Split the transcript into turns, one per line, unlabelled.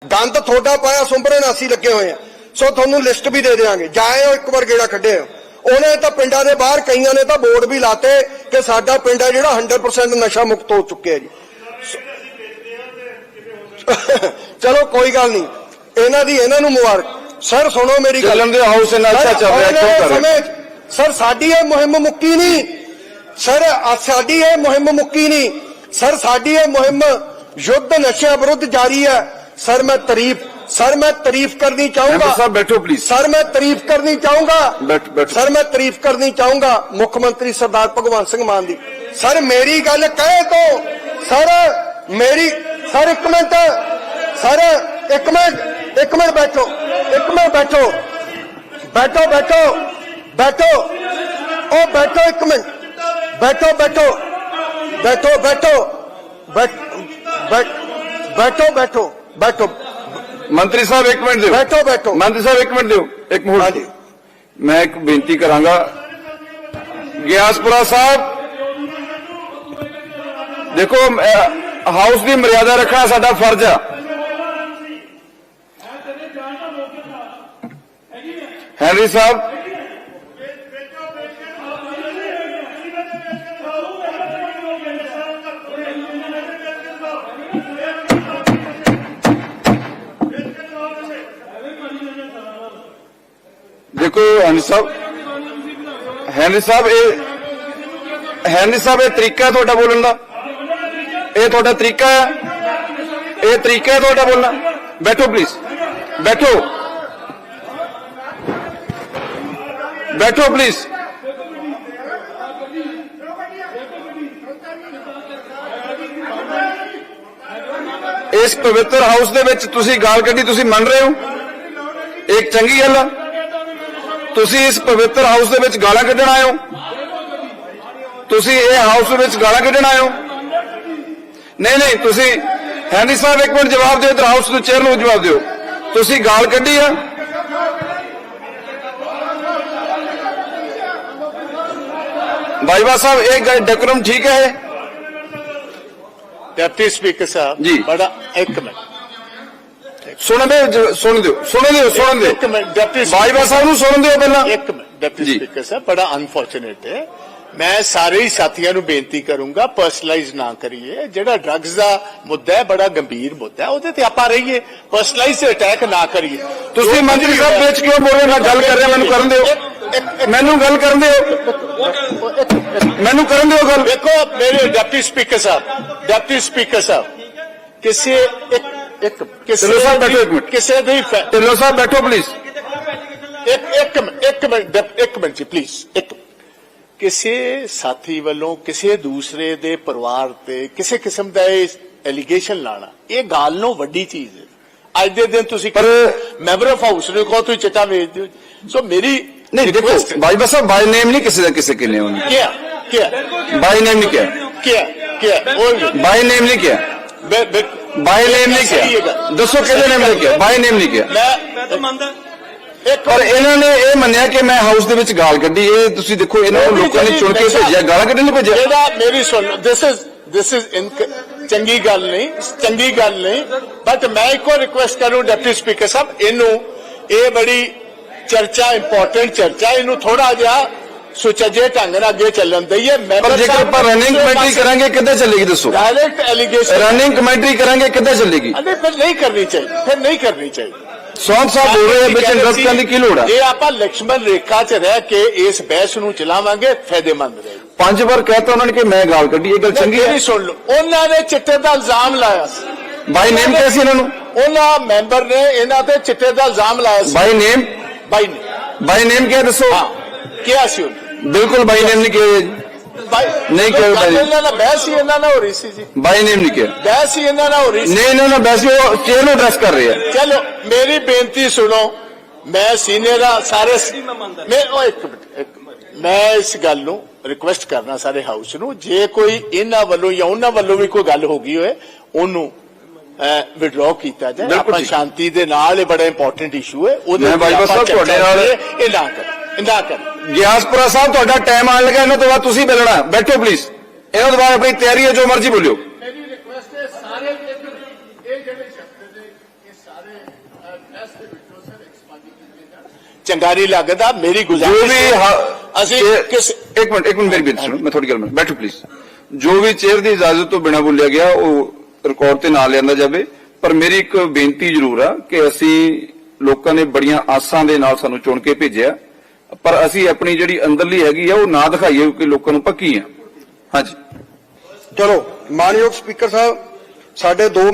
ਗੰਦ ਤੁਹਾਡਾ ਪਾਇਆ ਸੁੰਬਰੇ ਨਾਲ ਅਸੀਂ ਲੱਗੇ ਹੋਏ ਆ। ਸੋ ਤੁਹਾਨੂੰ ਲਿਸਟ ਵੀ ਦੇ ਦੇਵਾਂਗੇ, ਜਾਇਓ ਇੱਕ ਵਾਰ ਗੇੜਾ ਕੱਢਿਓ। ਉਹਨੇ ਤਾਂ ਪਿੰਡਾਂ ਦੇ ਬਾਹਰ ਕਈਆਂ ਨੇ ਤਾਂ ਬੋਰਡ ਵੀ ਲਾਤੇ ਕਿ ਸਾਡਾ ਪਿੰਡ ਹੈ ਜਿਹੜਾ 100% ਨਸ਼ਾ ਮੁਕਤ ਹੋ ਚੁੱਕਿਆ ਜੀ। ਚਲੋ ਕੋਈ ਗੱਲ ਨਹੀਂ, ਇਹਨਾਂ ਨੂੰ ਮੁਬਾਰਕ। ਸਰ ਸੁਣੋ ਮੇਰੀ ਗੱਲ,
ਹਾਊਸ ਅੱਛਾ ਚੱਲ ਰਿਹਾ
ਸਰ ਸਾਡੀ ਇਹ ਮੁਹਿੰਮ ਮੁੱਕੀ ਨਹੀਂ ਸਰ, ਸਾਡੀ ਇਹ ਮੁਹਿੰਮ ਮੁੱਕੀ ਨਹੀਂ ਸਰ, ਸਾਡੀ ਇਹ ਮੁਹਿੰਮ ਯੁੱਧ ਨਸ਼ਿਆਂ ਵਿਰੁੱਧ ਜਾਰੀ ਹੈ। ਸਰ ਮੈਂ ਤਾਰੀਫ ਕਰਨੀ ਚਾਹੂੰਗਾ
ਸਾਹਿਬ, ਬੈਠੋ ਪਲੀਜ਼
ਸਰ, ਮੈਂ ਤਾਰੀਫ ਕਰਨੀ ਚਾਹੂੰਗਾ
ਸਰ,
ਮੈਂ ਤਾਰੀਫ ਕਰਨੀ ਚਾਹੂੰਗਾ ਮੁੱਖ ਮੰਤਰੀ ਸਰਦਾਰ ਭਗਵੰਤ ਸਿੰਘ ਮਾਨ ਦੀ। ਸਰ ਮੇਰੀ ਗੱਲ ਕਹੇ ਤੋਂ ਸਰ ਮੇਰੀ ਸਰ ਇੱਕ ਮਿੰਟ ਸਰ ਇੱਕ ਮਿੰਟ ਬੈਠੋ, ਇੱਕ ਮਿੰਟ ਬੈਠੋ ਉਹ ਬੈਠੋ ਇੱਕ ਮਿੰਟ ਬੈਠੋ
ਮੰਤਰੀ ਸਾਹਿਬ ਇੱਕ ਮਿੰਟ ਦਿਓ,
ਬੈਠੋ
ਮੰਤਰੀ ਸਾਹਿਬ ਇੱਕ ਮਿੰਟ ਦਿਓ, ਇੱਕ ਮਿੰਟ। ਮੈਂ ਇੱਕ ਬੇਨਤੀ ਕਰਾਂਗਾ, ਗਿਆਸਪੁਰਾ ਸਾਹਿਬ ਦੇਖੋ ਹਾਊਸ ਦੀ ਮਰਿਆਦਾ ਰੱਖਣਾ ਸਾਡਾ ਫਰਜ਼ ਆ। ਹੈਨਰੀ ਸਾਹਿਬ देखो, हैनरी साहब ये तरीका है तुहाडा बोलण दा, ये तुहाडा तरीका है, ये तरीका है तुहाडा बोलना। बैठो प्लीज, बैठो प्लीज। इस पवित्र हाउस दे विच तुसीं गाल कड्ढी, तुसीं मन रहे हो, एक चंगी गल है। तुसी इस पवित्र हाउस दे विच गालां कड्ढण आए हो, तुसी ये हाउस दे विच गालां कड्ढण आए हो? नहीं, तुसी हैनरी साहब एक मिनट जवाब दिओ, इधर हाउस दे चेयर नूं जवाब दिओ। तुसी गाल कड्ढी आ? बाईवा साहब ये डेकोरम ठीक है?
डिप्टी स्पीकर साहब
जी,
बड़ा एक मिनट
सुन दो बाईवा साहब नूं सुन दिओ पहला।
एक मिनट डिप्टी स्पीकर साहब, बड़ा अनफॉर्चुनेट है। मैं सारे ही साथियों को बेनती करूंगा पर्सनलाइज ना करिए। जेड़ा ड्रग्स का मुद्दा है बड़ा गंभीर मुद्दा है, उहदे ते आपां रहिए, पर्सनलाइज अटैक ना करिए।
तुसीं मंत्री साहब बीच क्यों बोल रहे? मैं गल कर रहा, मैनूं करन दिओ, मैनूं गल करन दिओ, मैनूं करन दिओ गल।
देखो मेरे डिप्टी स्पीकर साहब किसी
ढिल्लों साहब बैठो एक मिनट,
किसी दी
ढिल्लों साहब बैठो प्लीज,
एक मिनट जी प्लीज। किसी साथी वालों किसी दूसरे दे परिवार ते किसी किस्म का एलीगेशन लाना ये गाल नो वड्डी चीज है। अज दे दिन तुसी मैंबर ऑफ हाउस ने कहो तुम चिट्टा भेज दो। सो मेरी
नहीं देखो बाईवा साहब, बाय नेम नहीं किसी का किसी के लिए
क्या
बाय नेम नहीं
क्या
बाय नेम नहीं किया, बाय नेम नहीं किया, दसो किहदे नेम नहीं किया, बाय नेम नहीं किया।
मैं तो मानदा
पर इन्होंने ये मन्निया कि मैं हाउस दे विच गाल कड्ढी। ये तुसीं देखो इन्होंने लोगों ने चुन के भेजिया, गालां कड्ढण नहीं भेजिया।
मेरी सुन, दिस इज चंगी गल नहीं, बट मैं एक और रिक्वेस्ट करूं डिप्टी स्पीकर साहब, इनू ये बड़ी चर्चा इंपॉर्टेंट चर्चा, इनू थोड़ा जिहा सुचजे ढंग नाल अगे चलन दईए।
पर जेकर आपां रनिंग कमेंट्री करांगे किद्दां चलेगी दसो?
डायरेक्ट एलिगेशन
रनिंग कमेंट्री करांगे किद्दां चलेगी?
फिर नहीं करनी चाहिए,
सौंप साहब बोल रहे हैं बिच इंटरप्ट करने की लोड़ है।
ये आपां लक्ष्मण रेखा च रह के इस बहस नूं चलावांगे फायदेमंद रहेगा।
5 बार कहता उन्होंने कि मैं गाल कड्ढी, ये गल चंगी है?
सुन लो, उन्होंने चिट्टे का इल्जाम लाया,
बाय नेम कैसी इन्होंने,
उन्होंने मैंबर ने इन्हां ते चिट्टे का इल्जाम लाया।
बाय नेम क्या दसो?
क्या सी
बिल्कुल बाय नेम नहीं किया, नहीं किया,
बहस ही इन्होंने हो रही सी जी,
बाय नेम नहीं किया,
बहस ही इन्होंने हो रही,
नहीं इन्होंने वैसे वो चेयर एड्रेस कर रहे हैं।
चलो मेरी बेनती सुनो, मैं सीनियर सारे मैं इस गल नूं रिक्वेस्ट करना सारे हाउस नूं, जे कोई इन्हां वल्लों या उन्हां वल्लों भी कोई गल हो गई होए ओनू विड्रॉ किया जाए। आपां शांति दे नाल, ये बड़ा इंपॉर्टेंट इशू है,
मैं बाईवा साहब तुहाडे नाल
ये ना कर
ਗਿਆਸਪੁਰਾ ਸਾਹਿਬ ਤੁਹਾਡਾ ਟਾਈਮ ਆਣ ਲੱਗਾ, ਇਹਨਾਂ ਤੋਂ ਬਾਅਦ ਤੁਸੀਂ ਬੋਲਣਾ। ਬੈਠੋ ਪਲੀਜ਼, ਇਹਨਾਂ ਤੋਂ ਬਾਅਦ ਆਪਣੀ ਤਿਆਰੀ ਹੈ, ਜੋ ਮਰਜ਼ੀ ਬੋਲਿਓ।
मेरी रिक्वेस्ट है सारे ये ਚੰਗਾ ਨਹੀਂ ਲੱਗਦਾ। ਮੇਰੀ
ਜੋ
ਗੁਜ਼ਾਰਿਸ਼
ਵੀ
ਹੈ, ਅਸੀਂ ਕਿਸ
ਇੱਕ ਮਿੰਟ ਮੇਰੀ ਬੇਨਤੀ ਸੁਣੋ, ਮੈਂ ਤੁਹਾਡੀ ਗੱਲ ਮੰਨ ਬੈਠੋ ਪਲੀਜ਼। ਜੋ ਵੀ ਚੇਅਰ ਦੀ ਇਜਾਜ਼ਤ ਤੋਂ ਬਿਨਾਂ ਬੋਲਿਆ ਗਿਆ ਉਹ ਰਿਕਾਰਡ ਤੇ ਨਾ ਲਿਆਂਦਾ ਜਾਵੇ। ਪਰ ਮੇਰੀ ਇੱਕ ਬੇਨਤੀ ਜ਼ਰੂਰ ਆ ਕਿ ਅਸੀਂ ਲੋਕਾਂ ਨੇ ਬੜੀਆਂ ਆਸਾਂ ਦੇ ਨਾਲ ਸਾਨੂੰ ਚੁਣ ਕੇ ਭੇਜਿਆ, ਪਰ ਅਸੀਂ ਆਪਣੀ ਜਿਹੜੀ ਅੰਦਰਲੀ ਹੈਗੀ ਆ ਉਹ ਨਾ ਦਿਖਾਈਏ ਕਿ ਲੋਕਾਂ ਨੂੰ ਪੱਕੀ ਆ। ਹਾਂਜੀ
ਚਲੋ ਮਾਨਯੋਗ ਸਪੀਕਰ ਸਾਹਿਬ, ਸਾਡੇ 2